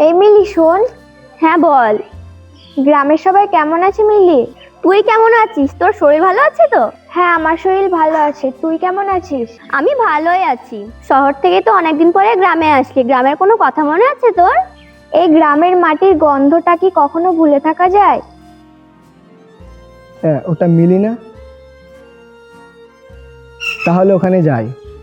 এই মিলি শোন। হ্যাঁ বল। গ্রামের সবাই কেমন আছে মিলি? তুই কেমন আছিস? তোর শরীর ভালো আছে তো? হ্যাঁ, আমার শরীর ভালো আছে। তুই কেমন আছিস? আমি ভালোই আছি। শহর থেকে তো অনেকদিন পরে গ্রামে আসলি, গ্রামের কোনো কথা মনে আছে তোর? এই গ্রামের মাটির গন্ধটা কি কখনো ভুলে থাকা যায়? হ্যাঁ, ওটা মিলি না? তাহলে ওখানে যাই।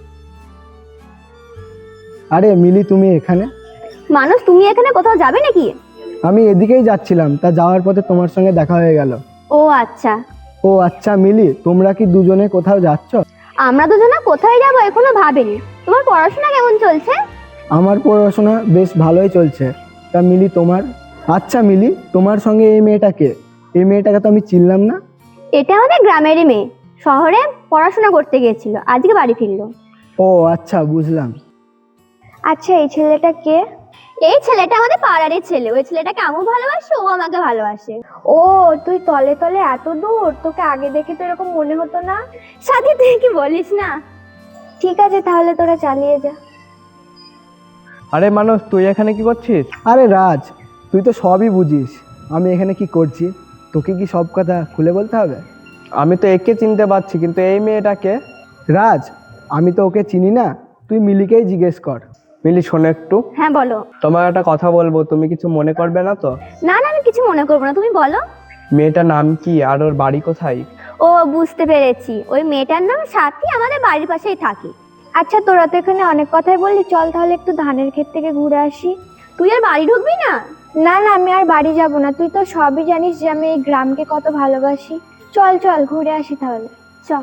আরে মিলি, তুমি এখানে? মানুষ, তুমি এখানে কোথাও যাবে নাকি? আমি এদিকেই যাচ্ছিলাম, তা যাওয়ার পথে তোমার সঙ্গে দেখা হয়ে গেল। ও আচ্ছা। ও আচ্ছা মিলি, তোমরা কি দুজনে কোথাও যাচ্ছ? আমরা দুজনে কোথায় যাবো এখনো ভাবিনি। তোমার পড়াশোনা কেমন চলছে? আমার পড়াশোনা বেশ ভালোই চলছে। তা মিলি তোমার? আচ্ছা মিলি, তোমার সঙ্গে এই মেয়েটাকে, এই মেয়েটাকে তো আমি চিনলাম না। এটা আমাদের গ্রামেরই মেয়ে, শহরে পড়াশোনা করতে গিয়েছিল, আজকে বাড়ি ফিরলো। ও আচ্ছা, বুঝলাম। আচ্ছা, এই ছেলেটা কে? এই ছেলেটা আমাদের পাড়ারই ছেলে। ওই ছেলেটাকে আমিও ভালোবাসে, ও আমাকে ভালোবাসে। ও, তুই তলে তলে এত দূর, তোকে আগে দেখে তো এরকম মনে হতো না। সাথী, তুই কি বলিস না? ঠিক আছে, তাহলে তোরা চালিয়ে যা। আরে মানুষ, তুই এখানে কি করছিস? আরে রাজ, তুই তো সবই বুঝিস। আমি এখানে কি করছি, তোকে কি সব কথা খুলে বলতে হবে? আমি তো একে চিনতে পারছি, কিন্তু এই মেয়েটাকে? রাজ, আমি তো ওকে চিনি না, তুই মিলিকেই জিজ্ঞেস কর। মিলি শোনো একটু, হ্যাঁ বলো। তোমার একটা কথা বলবো, তুমি কিছু মনে করবে না তো? না না, আমি কিছু মনে করবো না, তুমি বলো। মেয়েটার নাম কি আর ওর বাড়ি কোথায়? ও বুঝতে পেরেছি, ওই মেয়েটার নাম সাথী, আমাদের বাড়ির পাশেই থাকে। আচ্ছা, তোরা তো এখানে অনেক কথাই বললি, চল তাহলে একটু ধানের ক্ষেত থেকে ঘুরে আসি। তুই আর বাড়ি ঢুকবি না? না না, আমি আর বাড়ি যাব না। তুই তো সবই জানিস যে আমি এই গ্রামকে কত ভালোবাসি। চল চল ঘুরে আসি তাহলে, চল।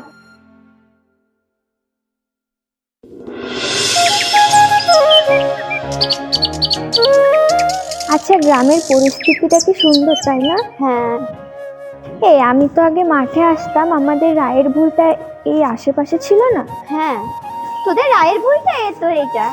আচ্ছা, গ্রামের পরিস্থিতিটা কি সুন্দর, তাই না? হ্যাঁ। এই আমি তো আগে মাঠে আসতাম, আমাদের রায়ের ভুলটা এই আশেপাশে ছিল না? হ্যাঁ, তোদের রায়ের ভুলটা এ তো এইটা।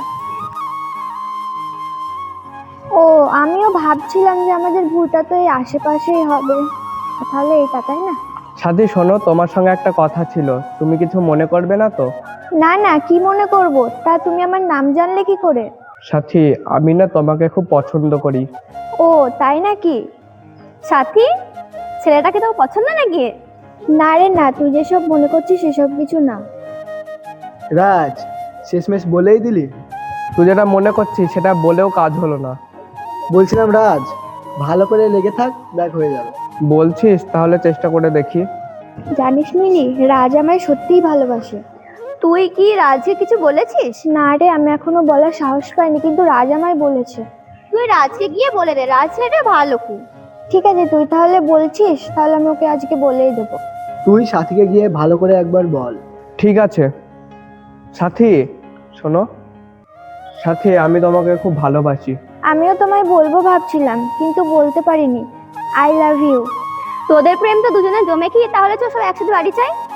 ও, আমিও ভাবছিলাম যে আমাদের ভুলটা তো এই আশেপাশেই হবে, তাহলে এটা, তাই না? সাথী শোনো, তোমার সঙ্গে একটা কথা ছিল, তুমি কিছু মনে করবে না তো? না না, কি মনে করব? তা তুমি আমার নাম জানলে কি করে? সাথী, আমি না তোমাকে খুব পছন্দ করি। ও তাই নাকি? সাথী, ছেলেটাকে তো পছন্দ নাকি? না রে না, তুই যেসব মনে করছিস সেসব কিছু না। রাজ, শেষমেশ বলেই দিলি? তুই যেটা মনে করছিস সেটা বলেও কাজ হলো না। বলছিলাম রাজ, ভালো করে লেগে থাক, দেখ হয়ে যাবে। বলছিস? তাহলে চেষ্টা করে দেখি। জানিস মিলি, রাজ আমায় সত্যিই ভালোবাসে। তুই কি রাজকে কিছু বলেছিস? না রে, আমি এখনো বলার সাহস পাইনি, কিন্তু রাজ আমায় বলেছে। তুই রাজকে গিয়ে বলে দে, রাজ ছেলেটা ভালো খুব। ঠিক আছে, তুই তাহলে বলছিস, তাহলে আমি ওকে আজকে বলেই দেবো। তুই সাথীকে গিয়ে ভালো করে একবার বল। ঠিক আছে। সাথী শোনো, সাথী আমি তোমাকে খুব ভালোবাসি। আমিও তোমায় বলবো ভাবছিলাম, কিন্তু বলতে পারিনি। I love you. তোদের প্রেম তো দুজনে জমে কি, তাহলে চল সব একসাথে বাড়ি চাই।